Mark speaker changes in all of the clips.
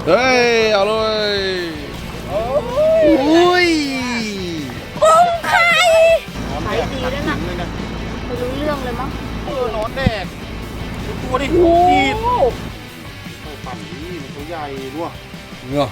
Speaker 1: เฮ้ยเอาเลยอุ้ย
Speaker 2: กุ้งไข่ขายดีด้วยนะไม่รู้เรื่องเลยมั้ง
Speaker 3: นอนแดดตัวดิดีดโอ้ปั่นนี่มันตัวใหญ่ด้วย
Speaker 1: เงาะ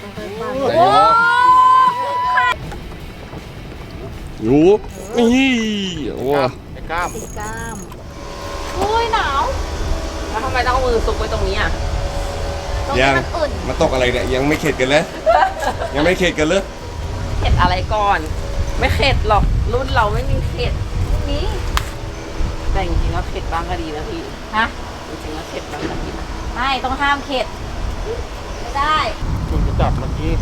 Speaker 1: อยู่นี่โอ้
Speaker 3: ไอ้กล้าม
Speaker 2: โอ้ยหนาว
Speaker 4: แล้วทำไมต้องเอามือซุกไว้ตรงนี้อ่ะ
Speaker 1: ยังมาตกอะไรเนี่ยยังไม่เข็ดกันเลยยังไม่เข็ดกันเลย
Speaker 4: เข็ดอะไรก่อนไม่เข็ดหรอกรุ่นเราไม่มีเข็ด
Speaker 2: นี่
Speaker 4: แต่จริงๆแล้วเข็ดบ้างก็ดีนะพี่
Speaker 2: ฮะ
Speaker 4: จริงๆแล้วเข็ดบ้างก็ดีนะ
Speaker 2: ไม่ต้องห้ามเข็ดไม่ได้
Speaker 3: คุณจะจับเมื่อกี้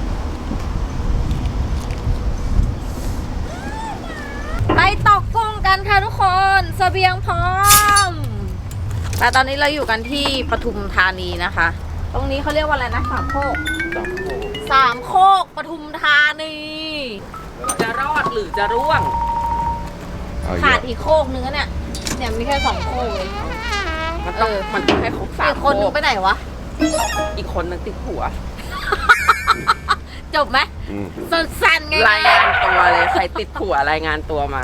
Speaker 2: ไปตกกุ้งกันค่ะทุกคนเสบียงพร้อมแต่ตอนนี้เราอยู่กันที่ปทุมธานีนะคะ ตรงนี้เขาเรียกว่าอะไรนะสามโคกปทุมธานี
Speaker 4: จะรอดหรือจะร่วง
Speaker 2: ขาดอีกโคกนึงเนี่ยมีแค่2โคกเลย
Speaker 4: มันต้องให้ครบ3
Speaker 2: อีกคนนึงไปไหนวะ
Speaker 4: อีกคนนึงติดหัว
Speaker 2: จบไหมสั้นๆไง
Speaker 4: รายงานตัวเลยใครติดหัวรายงานตัวมา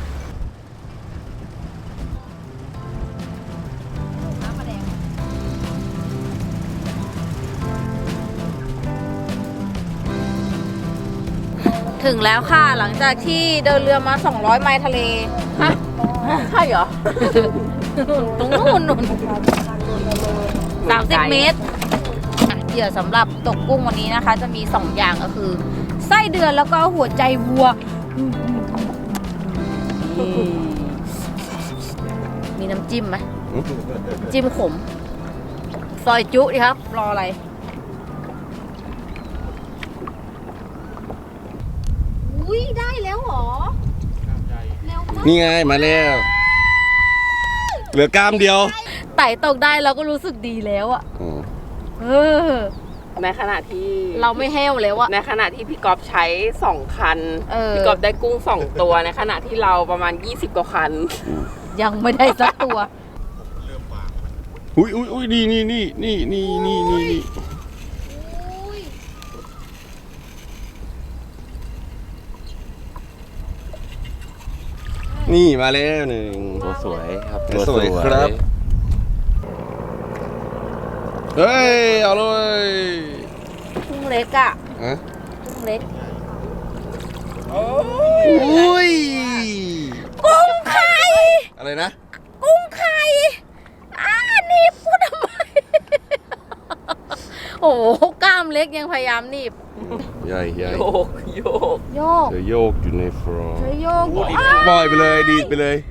Speaker 2: ถึงแล้วค่ะหลังจากที่เดินเรือมา200ไมล์ทะเลฮะ
Speaker 4: ใช่เหรอ
Speaker 2: ตรงนู้น30 เมตรเหยื่อสำหรับตกกุ้งวันนี้นะคะจะมี2อย่างก็คือไส้เดือนแล้วก็หัวใจวัวมีน้ำจิ้มไหมจิ้มขมซอยจุดิครับรออะไรอุ้ยได้แล้วหรอ
Speaker 1: นี่ไงมาแล้วเหลือกล้ามเดียว
Speaker 2: ไต่ตกได้เราก็รู้สึกดีแล้วอะ
Speaker 4: ในขณะที่
Speaker 2: เราไม่แห้วแล้วอะ
Speaker 4: ในขณะที่พี่ก๊อฟใช้2คันพี่ก๊อฟได้กุ้ง2ตัวในขณะที่เราประมาณ20กว่าคัน
Speaker 2: ยังไม่ได้สักตัว
Speaker 1: อุ้ยนี่นี่มาแล้วหนึ่ง
Speaker 3: ตัวสวยครับ
Speaker 1: ตัวสวยครับเฮ้ยเอาเลย
Speaker 2: กุ้งเล็กอะกุ้งเล็ก
Speaker 1: อุ้ย
Speaker 2: กุ้งไข่
Speaker 1: อะไรนะ
Speaker 2: กุ้งไข่นี่พูดทำไมโอ้กล้ามเล็กยังพยายามหนีบ
Speaker 1: ใหญ่
Speaker 4: โยก
Speaker 1: เธอโยกอยู่ในฟรอง
Speaker 2: เธอโยก
Speaker 1: ปล่อยไปเลยดีดไปเลย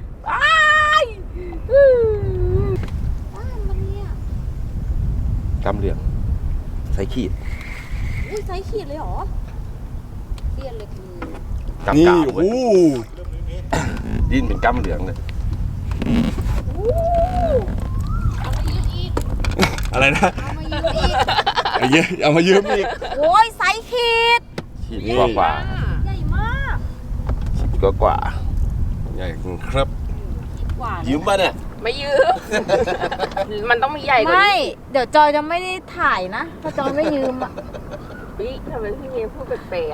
Speaker 1: กำเหลี่ยมใส่ขีด
Speaker 2: ใส่ขีดเลยเหรอเสี้ยนเลย
Speaker 1: นี่โอ้
Speaker 3: ดิ้นเป็นกำเหลืองเลย
Speaker 1: อะไรนะเอามายืมอีก
Speaker 2: โอ้ยใส่ขีด
Speaker 3: กว่า
Speaker 2: ใหญ่มาก
Speaker 3: กว่า
Speaker 1: ใหญ่ครับ
Speaker 3: ยืมป่ะเนี่ย
Speaker 4: ไม่ยืมมันต้องมีใหญ่กว่านี้
Speaker 2: ไม่เดี๋ยวจอยจะไม่ได้ถ่ายนะถ้าจอยไม่ยืมอ่ะ
Speaker 4: พี่ทำไมพี่เมย์พูดแปลก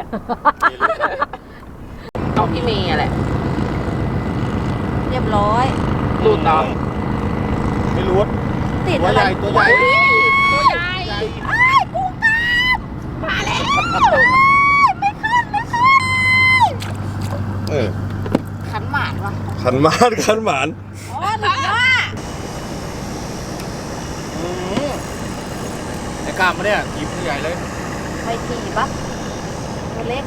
Speaker 4: ๆต้องพี่เมย์แหละ
Speaker 2: เรียบร้อย
Speaker 4: ดูต่อ
Speaker 3: ไม่รู้
Speaker 2: ติดอะไร
Speaker 3: ตัวใหญ่
Speaker 2: กุ้งกล้ามมาแล้วไม่ขึ้นขันหมานวะ
Speaker 1: ขันหมาน
Speaker 2: อ๋อหนูว่า
Speaker 3: ไอ้กล้ามมาเนี่ยทีมใหญ่เลย
Speaker 2: ไปทีปะตัวเล็ก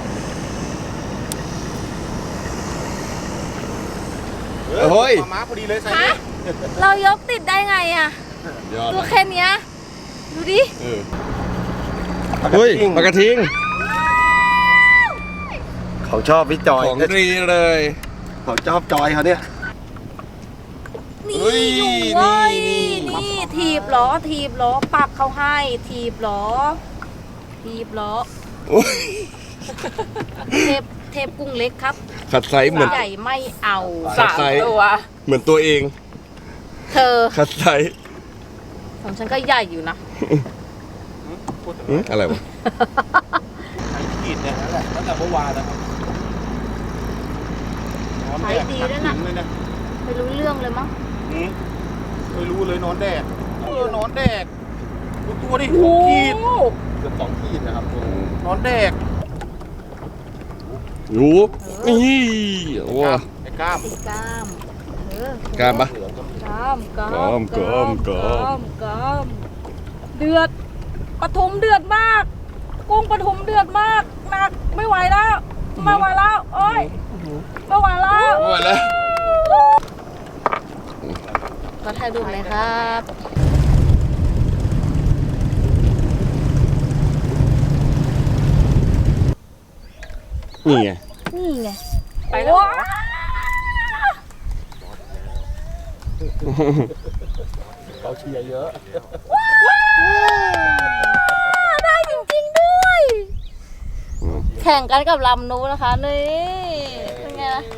Speaker 1: เฮ้ย
Speaker 3: ม้าพอดีเลยใส่
Speaker 2: เรายกติดได้ไงอะตัวแค่นี้ดูดิ
Speaker 1: เฮ้ยปลากระทิง
Speaker 3: เขาชอบพี่จอย
Speaker 1: ของดีเลย
Speaker 3: เขาชอบจอยเขาเนี่ย
Speaker 2: นี่อยู่เว้ยนี่ถีบล้อปักเขาให้ถีบล้อเทปกุ้งเล็กครับ
Speaker 1: ขัดไซส์เหมือน
Speaker 2: ใหญ่ไม่เอา
Speaker 4: 3 ตัว
Speaker 1: เหมือนตัวเอง
Speaker 2: เธอ
Speaker 1: ขัดไซส์
Speaker 2: ของฉันก็ใหญ่อยู่นะ
Speaker 1: อะไรวะ
Speaker 3: ไข่ขีดเนี่ยนั่นแหละตั้งแต่เมื่อวานนะครับนอนแดดขัดถึงเลยนะ
Speaker 2: ไม่รู้เรื่องเลยมั้ง
Speaker 3: ไม่รู้เลยนอนแดดนอนแดดดูตัวดิ2 ขีดเกือบ2 ขีดนะครับนอนแดด
Speaker 1: อยู่นี่โอ้
Speaker 3: ไอ้กล้าม
Speaker 2: ตีกล้าม
Speaker 1: กล้ามปะ
Speaker 2: กล้ามกล้าม
Speaker 1: กล้ามกล้าม
Speaker 2: กล้ามเดือดปทุมเดือดมาก กุ้งปทุมเดือดมากหนักไม่ไหวแล้วไม่ไหวแล้วโอ้ยไม่ไหวแล้ว
Speaker 1: ไม่ไหวแล้ว
Speaker 2: ก็ถ่ายรูปเลยครับ
Speaker 1: นี่ไง
Speaker 2: นี่ไง
Speaker 4: ไปแล้วเหรอ
Speaker 3: เขาเชียร์เยอะ
Speaker 2: ได้จริงๆด้วย แข่งกันกับลำนู้นนะคะนี่เป็นไงล่ะ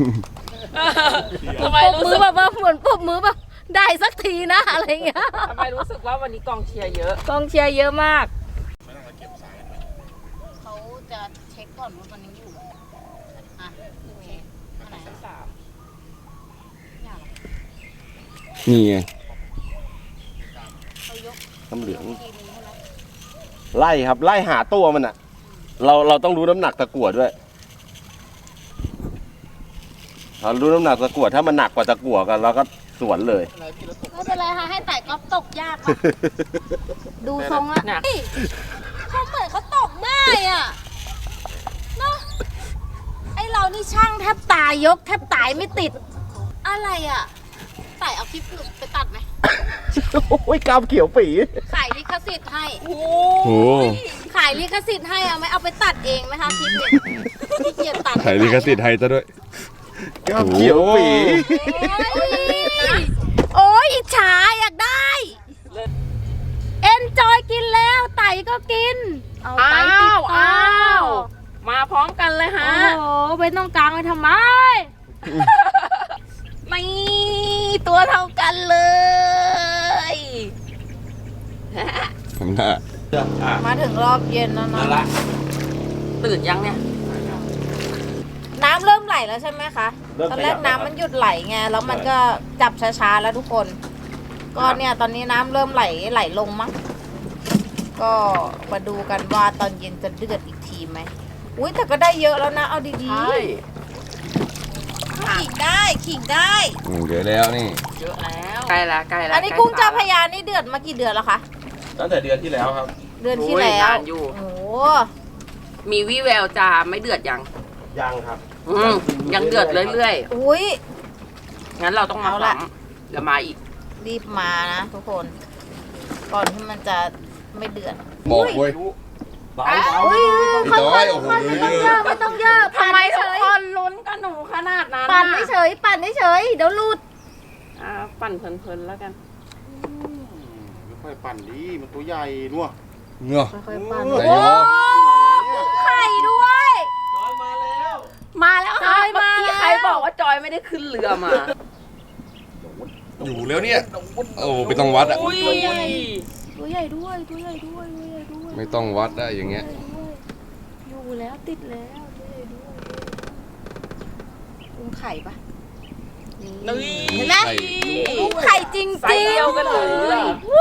Speaker 4: ทำไม
Speaker 2: ปรบ
Speaker 4: รู้
Speaker 2: มื
Speaker 4: สึ
Speaker 2: อก แบบว่าเหมือนปรบมือแบบได้สักทีนะอะไรเงี้ย
Speaker 4: ทำไมรู้สึกว่าวันนี้กองเชียร์เยอะ
Speaker 2: กองเชียร์เยอะมากเขาจะเช็คก่อนว่ามันยังอยู่อ่ะโอเคอันไหน
Speaker 1: นี่ไง
Speaker 2: เขายก
Speaker 1: น้ำเหลือง
Speaker 2: ทีนึงใช่ไหม
Speaker 1: ไล่ครับ ไล่หาตัวมันอ่ะ เราต้องรู้น้ำหนักตะกั่วด้วยเรารู้น้ำหนักตะกั่วถ้ามันหนักกว่าตะกั่วกันเราก็สวนเลย
Speaker 2: ไม่เป็นไรค่ะให้ไต่ก๊อฟตกยากค่ะดูทรงละเฮ้ยเขาเหมือนเขาตกง่ายอ่ะเนาะไอเรานี่ช่างแทบตายยกแทบตายไม่ติด อะไรอ่ะไต่เอาคลิปไปตัดไหม
Speaker 1: โอ้ยกามเขียวปี
Speaker 2: ขายลิขสิทธิ์ให้
Speaker 1: โอ้
Speaker 2: ขายลิขสิทธิ์ให้เอาไหมเอาไปตัดเองไหมคะคลิปเนี่ยขี้เกียจตัด
Speaker 1: ถ่ายลิขสิทธิ์ให้ซะด้วยกามเขียวปี
Speaker 2: โอ้ยอิจฉาอยากได้ เอ็นจอยกินแล้วไต่ก็กิน เอาไต่ติดต่อ
Speaker 4: อ้าว มาพร้อมกันเลยฮะ
Speaker 2: โอ้โหเป็นต้องกลางไปทำไมนี่ตัวเท่ากันเลย
Speaker 1: ทำหน้า
Speaker 2: มาถึงรอบเย็นแล้วนะ
Speaker 4: ตื่นยังเนี่ย
Speaker 2: น้ำเริ่มไหลแล้วใช่ไหมคะตอนแรกน้ำมันหยุดไหลไงแล้วมันก็จับช้าๆแล้วทุกคน ก็เนี่ยตอนนี้น้ำเริ่มไหลลงมั้งก็มาดูกันว่าตอนเย็นจะเดือดอีกทีไหมอุ้ยแต่ก็ได้เยอะแล้วนะเอาดี
Speaker 4: ใช่
Speaker 2: ๆขิงได้
Speaker 1: เดี๋ยวแล้วนี่
Speaker 4: เยอะแล้วใกล้ละใกล้ละ
Speaker 2: อันนี้กุ้งเจ้าพระยานี่เดือดมากี่เดือนแล้วคะ
Speaker 3: ตั้งแต่เดือนที่แล้วครับ
Speaker 2: เดือนที่แล้ว
Speaker 4: นานอยู่
Speaker 2: โอ้
Speaker 4: มีวี่แววจะไม่เดือดยัง
Speaker 3: ยังครับ
Speaker 4: ยังเดือดเรื่อย
Speaker 2: อุ้ย
Speaker 4: ๆ งั้นเราต้องมา
Speaker 2: เอาละ
Speaker 4: ซ้ำเดี๋ยวมาอีก
Speaker 2: รีบมานะทุกคน ก่อนที่มันจะไม่เดือด
Speaker 1: บอกเว้ย
Speaker 2: อุ้ย
Speaker 1: พี่ต้อยโอ้โห
Speaker 2: ไม่ต้องเยอะปั่น
Speaker 4: ทำไม
Speaker 2: เฉ
Speaker 4: ทุก
Speaker 2: ย
Speaker 4: คนลุ้นกับหนูขนาดนั้น
Speaker 2: ปั่นไม่เฉยปั่นไม่เฉยเดี๋ยวหลุด
Speaker 4: ปั่นเพลินๆแล้วกัน
Speaker 3: ไม่ค่อยปั่นดีมันตัวใหญ่นัว
Speaker 1: เงาะ
Speaker 2: ค่อยๆปั่น
Speaker 1: ไหน
Speaker 2: โอ้
Speaker 1: วะ
Speaker 2: กุ้งไข่ด้วย
Speaker 3: จอยมาแล้ว
Speaker 4: มาแล้ว
Speaker 2: จ
Speaker 4: ค่ะ
Speaker 2: อย
Speaker 4: เมื่อ
Speaker 2: มา
Speaker 4: กี้
Speaker 2: แล้ว
Speaker 4: ใครบอกว่าจอยไม่ได้ขึ้นเรือมา
Speaker 1: อยู่แล้วเนี่ย โอ้ไม่ต้องวัดอ่ะ
Speaker 4: อุ้ย
Speaker 2: ตัวใหญ่ด้วยตัวใหญ่ด้วยตัวใหญ่ด้วย
Speaker 1: ไม่ต้องวัดได้อย่างเงี้ย
Speaker 2: อยู่แล้วติดแล้วตัวใหญ่ด้วยกุ้งไข่ปะ
Speaker 4: นี่
Speaker 2: เห็นไหม
Speaker 1: ไข่
Speaker 2: กุ้งไข่จริง
Speaker 4: ไซส์เดียวกันเลย
Speaker 2: วู้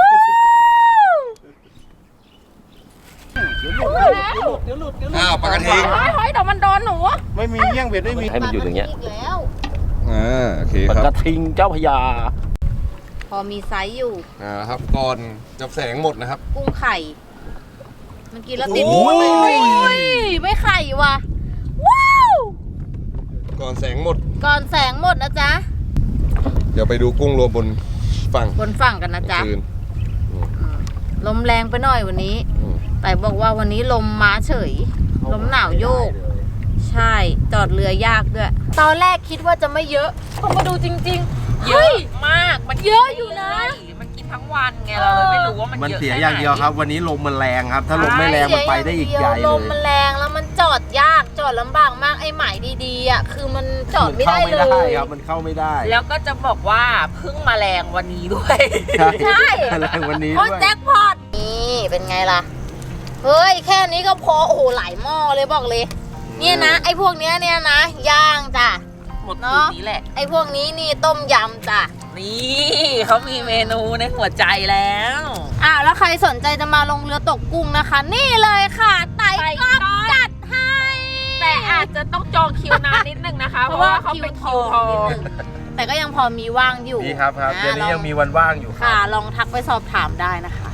Speaker 1: อ้าวปลากระทิง
Speaker 4: เฮ้ยเดี๋ยวมันโดนหนู
Speaker 3: ไม่มีเงี้ยงเบ็ดไม่มี
Speaker 1: ให้มันอยู่อย่างเงี้ย
Speaker 2: อีกแล้ว
Speaker 1: โอเค
Speaker 3: ปลา
Speaker 1: ค
Speaker 3: ก
Speaker 1: รั
Speaker 3: ระ
Speaker 1: บ
Speaker 3: ทิงเจ้าพญา
Speaker 2: พอมีไซส์อยู่
Speaker 1: ครับก่อนจับแสงหมดนะครับ
Speaker 2: กุ้งไข่เมื่อกี้แล้วติด
Speaker 1: โอ้ย
Speaker 2: ไม่ไข่ว่ะว้าว
Speaker 1: ก่อนแสงหมด
Speaker 2: ก่อนแสงหมดนะจ๊ะ
Speaker 1: เดี๋ยวไปดูกุ้งรวมบนฝั่ง
Speaker 2: บนฝั่งกันนะจ๊ะ
Speaker 1: คืน
Speaker 2: ลมแรงไปหน่อยวันนี้
Speaker 1: อืม
Speaker 2: แต่บอกว่าวันนี้ลมมาเฉย ลมหนาวโยก ใช่จอดเรือยากด้วย ตอนแรกคิดว่าจะไม่เยอะพอมาดูจริงๆ
Speaker 4: เยอะมาก มัน
Speaker 2: เยอะอยู่นะ
Speaker 4: มันกินทั้งวันไงเราเลยไม่รู้ว่ามัน
Speaker 3: มัน
Speaker 4: เยอะ
Speaker 3: เสีย
Speaker 4: แค่
Speaker 3: อย่างเดียวครับ
Speaker 4: ไหน
Speaker 3: วันนี้ลมมันแรงครับ ถ้าลมไม่แรงมันไปได้อีกใหญ่
Speaker 2: ล
Speaker 3: เล
Speaker 2: ม
Speaker 3: ย
Speaker 2: มันแรงแล้วมันจอดยากจอดลำบากมากไอ้หมายดีๆอ่ะคือมันจอดไม่ได้เล
Speaker 3: มันเข้าไม่ได้
Speaker 2: ย
Speaker 3: ครับ มันเข้าไม่ได้
Speaker 4: แล้วก็จะบอกว่าเพิ่งมาแรงวันนี้ด้วย
Speaker 3: ใช่
Speaker 2: ใช่
Speaker 3: แรงวันนี้
Speaker 2: โอ้
Speaker 3: ด้วย
Speaker 2: แจ็คพอตนี่เป็นไงล่ะเฮ้ยแค่นี้ก็พอโอ้โหหลายหม้อเลยบอกเลย เนี่ยนะไอ้พวกเนี้ยเนี่ยนะย่างจ้ะ
Speaker 4: หมดคืนนี้แหละ
Speaker 2: ไอ้พวกนี้นี่ต้มยำจ้ะ
Speaker 4: นี่เขามีเมนูในหัวใจแล้ว
Speaker 2: แล้วใครสนใจจะมาลงเรือตกกุ้งนะคะ นี่เลยค่ะไต่ก๊อบจัดให้
Speaker 4: แต่อาจจะต้องจองคิวนานนิดนึงนะคะ เพราะว่าเขาเป็นคิวทอง
Speaker 2: แต่ก็ยังพอมีว่างอยู่
Speaker 3: ดีครับ เดี๋ยวนี้ยังมีวันว่างอยู่
Speaker 2: ค่ะลองทักไปสอบถามได้นะคะ